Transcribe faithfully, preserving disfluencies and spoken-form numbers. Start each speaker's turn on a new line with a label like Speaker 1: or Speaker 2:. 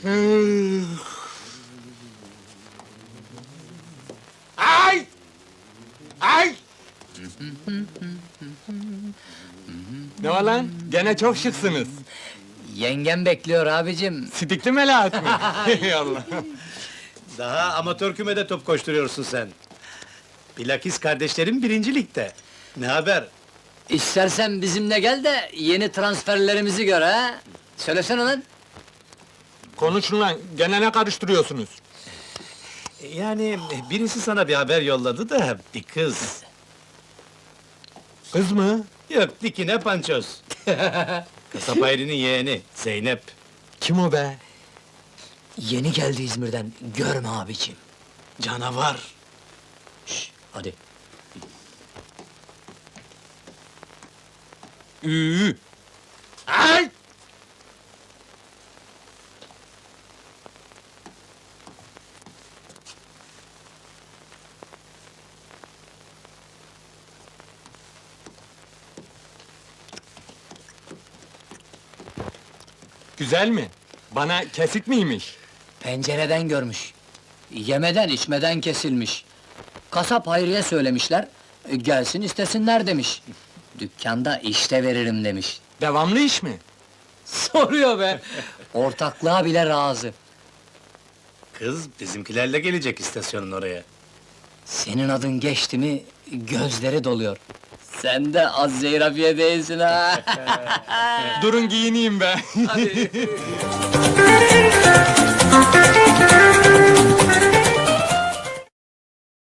Speaker 1: Ay! Ay! Ne var lan? Gene çok şıksınız.
Speaker 2: Yengem bekliyor abicim.
Speaker 1: Sidikli Melahat mi? Ey Allah!
Speaker 3: Daha amatör kümede top koşturuyorsun sen. Bilakis kardeşlerim birinci ligde. Ne haber?
Speaker 2: İstersen bizimle gel de yeni transferlerimizi gör ha. Söylesene lan.
Speaker 1: Konuşun lan, gene ne karıştırıyorsunuz?
Speaker 3: Yani birisi sana bir haber yolladı da bir kız.
Speaker 1: Kız mı?
Speaker 3: Yok dikine pançoz. Kasap Hayri'nin yeğeni Zeynep.
Speaker 1: Kim o be?
Speaker 2: Yeni geldi İzmir'den. Görme abicim.
Speaker 3: Canavar.
Speaker 2: Şş, hadi.
Speaker 1: Üü! Ay! Güzel mi? Bana kesik miymiş?
Speaker 2: Pencereden görmüş. Yemeden içmeden kesilmiş. Kasap Hayri'ye söylemişler. e, Gelsin istesinler demiş. Dükkanda işte veririm demiş.
Speaker 1: Devamlı iş mi?
Speaker 2: Soruyor be! Ortaklığa bile razı.
Speaker 3: Kız bizimkilerle gelecek istasyonun oraya.
Speaker 2: Senin adın geçti mi, gözleri doluyor. Sen de az zeyrafiye değilsin ha!
Speaker 1: Durun giyineyim be!
Speaker 2: Hadi.